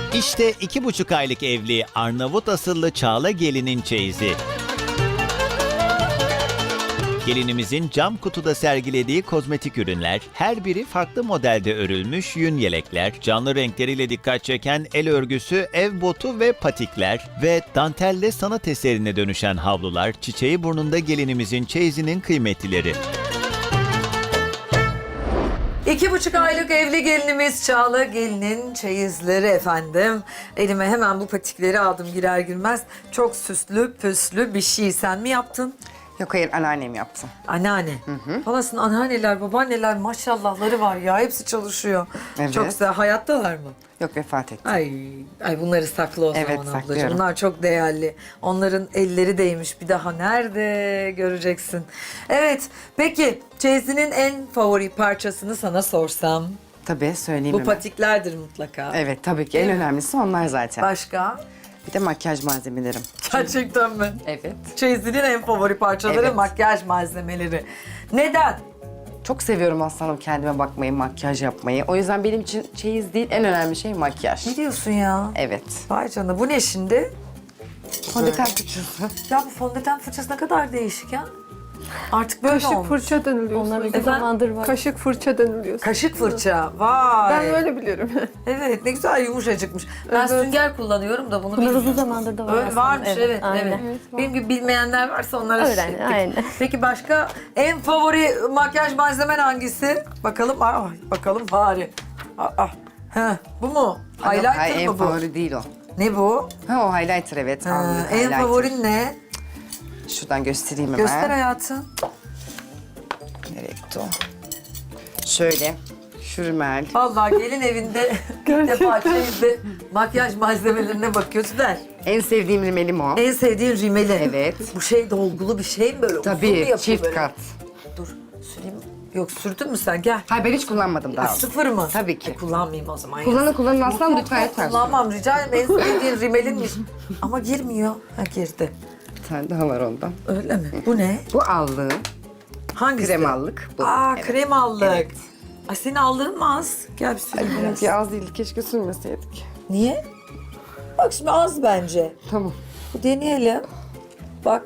İşte 2,5 aylık evli Arnavut asıllı Çağla gelinin çeyizi. Gelinimizin cam kutuda sergilediği kozmetik ürünler, her biri farklı modelde örülmüş yün yelekler, canlı renkleriyle dikkat çeken el örgüsü, ev botu ve patikler ve dantelle sanat eserine dönüşen havlular, çiçeği burnunda gelinimizin çeyizinin kıymetlileri. 2,5 aylık evli gelinimiz Çağla gelinin çeyizleri efendim. Elime hemen bu patikleri aldım girer girmez. Çok süslü püslü bir şey. Sen mi yaptın? Yok hayır, anneannem yaptı. Anneanne. Falasın anneanneler, babaanneler maşallahları var ya. Hepsi çalışıyor. Evet. Çok güzel. Hayattalar mı? Yok, vefat etti. Ay bunları sakla o Evet, zaman ablacığım. saklıyorum. Bunlar çok değerli. Onların elleri değmiş. Bir daha nerede göreceksin? Evet. Peki çeyizinin en favori parçasını sana sorsam? Tabii, söyleyeyim Bu hemen. patiklerdir mutlaka. Evet, tabii ki en önemlisi onlar zaten. Başka? Bir de makyaj malzemelerim. Gerçekten mi? Evet. Çeyizinin en favori parçaları Evet. makyaj malzemeleri. Neden? Çok seviyorum aslanım kendime bakmayı, makyaj yapmayı. O yüzden benim için çeyiz değil, en önemli şey makyaj. Ne diyorsun ya? Evet. Vay canına bu ne şimdi? Fondöten fırçası. Ya bu fondöten fırçası ne kadar değişik ya. Artık böyle Kaşık olmuş. fırça deniliyor. Onlar Efendim? bir zamandır var. Kaşık fırça deniliyor. Kaşık fırça. Vay. Ben öyle biliyorum. Evet ne güzel yumuşacıkmış. Ben Evet. sünger kullanıyorum da bunu Bunlar bilmiyorum. uzun zamandır da var Öyle aslında. varmış evet. Aynen. Evet. Benim gibi bilmeyenler varsa onlara Öğren, şişirdik. aynen. Peki başka en favori makyaj malzemen hangisi? Bakalım. Bakalım bari. Bu mu? Highlighter Hayır, en mı bu? favori değil o. Ne bu? Ha, o highlighter evet. alnık En highlighter. favorin ne? Şuradan göstereyim hemen. Göster hayatım. Nereye gitti o? Şöyle. Şu rimel. Vallahi gelin evinde ilk defa çeyizde makyaj malzemelerine bakıyoruz. Ver. En sevdiğim rimelim o. En sevdiğin rimeli. Evet. Bu şey dolgulu bir şey mi böyle? Uzun mu Tabii, yapıyor çift böyle? kat. Dur süreyim. Yok sürdün mü sen? Gel. Hayır, ben hiç kullanmadım daha. Sıfır mı? Tabii ki. Kullanmayayım o zaman. Kullanın aslan Yok, lütfen lütfen. kullanmam rica ederim. En sevdiğin rimelinmiş. Ama girmiyor. Ha girdi. Bir tane daha var ondan. Öyle mi? Bu ne? Bu allığım. Hangisi? Kremallık. Bu. Aa Evet. krem allık. Evet. Ay senin aldığın mı az? Gel bir süreyim biraz. Benimki az değildi. Keşke sürmeseydik. Niye? Bak şimdi az bence. Tamam. Bu deneyelim. Bak.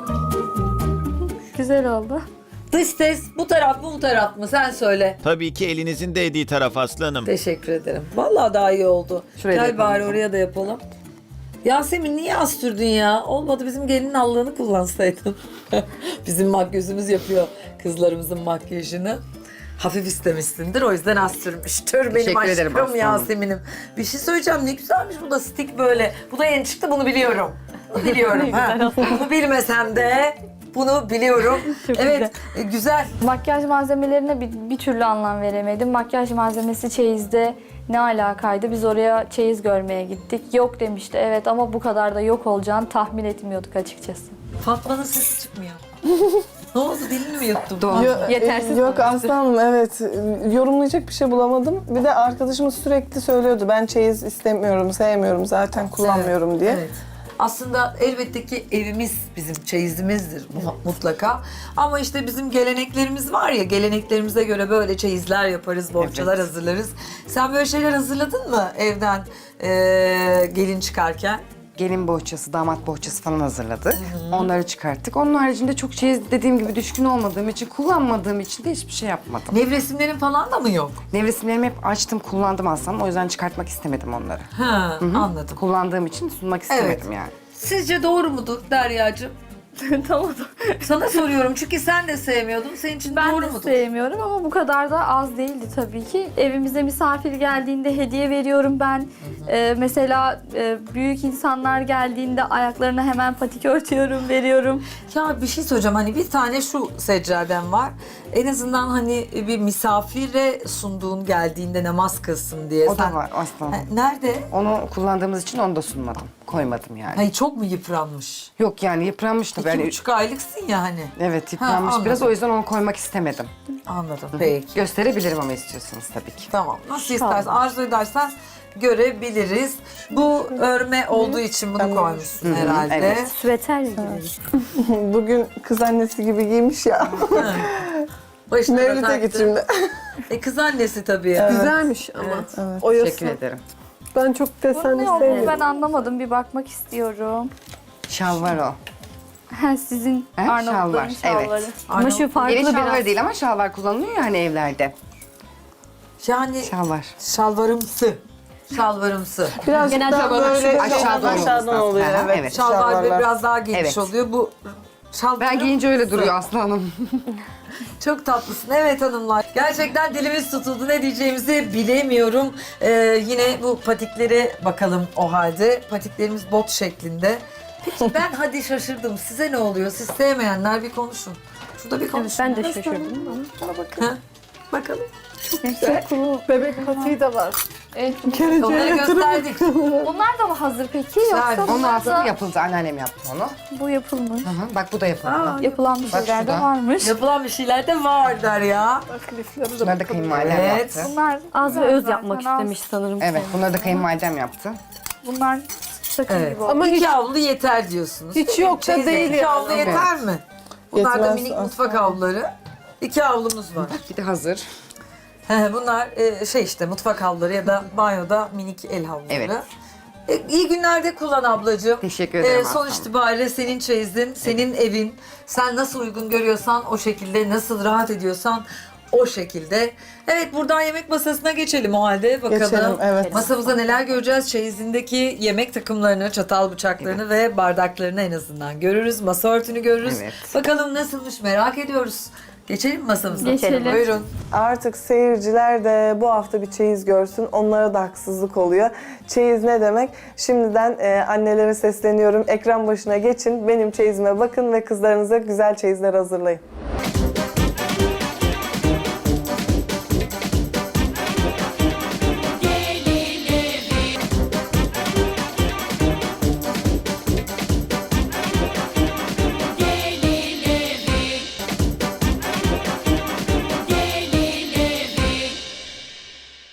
Güzel oldu. Dış ses bu taraf mı bu taraf mı? Sen söyle. Tabii ki elinizin değdiği taraf aslanım. Teşekkür ederim. Vallahi daha iyi oldu. Şuraya da Gel yapalım bari o zaman. oraya da yapalım. Yasemin niye az sürdün ya? Olmadı bizim gelinin allığını kullansaydın. Bizim makyözümüz yapıyor kızlarımızın makyajını. Hafif istemişsindir o yüzden az sürmüştür benim Teşekkür ederim aşkım aslanım. Yasemin'im. Bir şey söyleyeceğim ne güzelmiş bu da stick böyle. Bu da yeni çıktı bunu biliyorum. Biliyorum ha. Bunu bilmesem de bunu biliyorum. Çok Evet güzel. Makyaj malzemelerine bir türlü anlam veremedim. Makyaj malzemesi çeyizde ne alakaydı? Biz oraya çeyiz görmeye gittik. Yok demişti evet ama bu kadar da yok olacağını tahmin etmiyorduk açıkçası. Fatma'nın sesi çıkmıyor. Ne oldu dilini mi yuttun? Doğru. Yetersiz Yok kalmıştı. aslanım evet. Yorumlayacak bir şey bulamadım. Bir de arkadaşımız sürekli söylüyordu. Ben çeyiz istemiyorum, sevmiyorum zaten kullanmıyorum diye. Evet. Aslında elbette ki evimiz bizim çeyizimizdir mutlaka. Ama işte bizim geleneklerimiz var ya, geleneklerimize göre böyle çeyizler yaparız, bohçalar Evet. hazırlarız. Sen böyle şeyler hazırladın mı evden gelin çıkarken? Gelin bohçası, damat bohçası falan hazırladık. Onları çıkarttık. Onun haricinde çok çeyiz dediğim gibi düşkün olmadığım için, kullanmadığım için de hiçbir şey yapmadım. Nevresimlerin falan da mı yok? Nevresimlerimi hep açtım, kullandım aslında. O yüzden çıkartmak istemedim onları. Ha, anladım. Kullandığım için sunmak istemedim yani. Sizce doğru mudur Derya'cığım? Tamam. Sana soruyorum çünkü sen de sevmiyordun. Senin için Ben doğru de mudur? sevmiyorum ama bu kadar da az değildi tabii ki. Evimize misafir geldiğinde hediye veriyorum ben. Mesela büyük insanlar geldiğinde ayaklarına hemen patik örtüyorum, veriyorum. Ya bir şey söyleyeceğim hani bir tane şu seccadem var. En azından hani bir misafire sunduğun geldiğinde namaz kılsın diye. O da var aslında. Nerede? Onu kullandığımız için onu da sunmadım. Koymadım yani. Hayır çok mu yıpranmış? Yok yani yıpranmış tabii. Yani, 2,5 aylıksın ya hani. evet yıpranmış Ha, biraz, anladım. o yüzden onu koymak istemedim. Anladım. Peki. Gösterebilirim ama istiyorsanız tabii ki. Tamam. Nasıl istersen, arzu edersen görebiliriz. Bu örme olduğu için bunu koymuşsun herhalde. evet. Süveter gibi. Bugün kız annesi gibi giymiş ya. Başına da Mevlüt'e taktı. git şimdi. Kız annesi tabii ya. Evet. Güzelmiş ama. Evet. Oyası. Teşekkür ederim. Ben çok desen Ne oldu ben sevmiyorum. anlamadım. Bir bakmak istiyorum. Şalvar o. Ha, sizin He, Arnavutların şalvar, şalvarı. evet. Ama şu farklı Gelin şalvarı biraz. değil ama şalvar kullanılıyor ya hani evlerde. Yani Şalvar. şalvarımsı. Şalvarımsı. Birazcık Genelde daha böyle böyle aşağı doğru aşağıdan olması oluyor. lazım. Evet. Evet. Şalvar şalvarlar. biraz daha geniş Evet. oluyor. Bu şalvarım. Ben giyince öyle duruyor Aslı Hanım. Çok tatlısın. Evet hanımlar. Gerçekten dilimiz tutuldu. Ne diyeceğimizi bilemiyorum. Yine bu patiklere bakalım o halde. Patiklerimiz bot şeklinde. Peki ben hadi şaşırdım. Size ne oluyor? Siz sevmeyenler bir konuşun. Şurada bir konuşun. Ben de şaşırdım. Ha? Bakalım. Bebek patiği de var. Evet. Onları gösterdik. Bunlar da mı hazır peki? Güzel. Yoksa Onun bunlar aslında da yapıldı. Anneannem yaptı onu. bu yapılmış. Hı hı. Bak bu da yapıldı. Yapılan bir Bak şeyler de şurada. varmış. Yapılan bir şeyler de var der ya. Bak lifleri de Bunları da kayınvalidem Evet. yaptı. Bunlar Az ve bunlar öz zaten yapmak az. istemiş sanırım. Evet, bunları da kayınvalidem yaptı. Bunlar sakın Evet. gibi oldu. Ama İki hiç, avlu yeter diyorsunuz. hiç yok da Çeyizde değil iki yani. avlu yeter mi? Bunlar da Yetmez minik aslında. mutfak avluları. İki avlumuz var. Bir de hazır. Bunlar şey işte mutfak havluları ya da banyoda minik el havluları. Evet. İyi günlerde kullan ablacığım. Teşekkür ederim Son Aslı itibariyle senin çeyizin, senin evin. Sen nasıl uygun görüyorsan o şekilde, nasıl rahat ediyorsan o şekilde. Evet buradan yemek masasına geçelim o halde bakalım. Geçelim, evet. Masamızda neler göreceğiz? Çeyizindeki yemek takımlarını, çatal bıçaklarını ve bardaklarını en azından görürüz. Masa örtünü görürüz. Evet. Bakalım nasılmış merak ediyoruz. Geçelim mi masamıza? Geçelim. Buyurun. Artık seyirciler de bu hafta bir çeyiz görsün. Onlara da haksızlık oluyor. Çeyiz ne demek? Şimdiden annelere sesleniyorum. Ekran başına geçin. Benim çeyizime bakın ve kızlarınıza güzel çeyizler hazırlayın.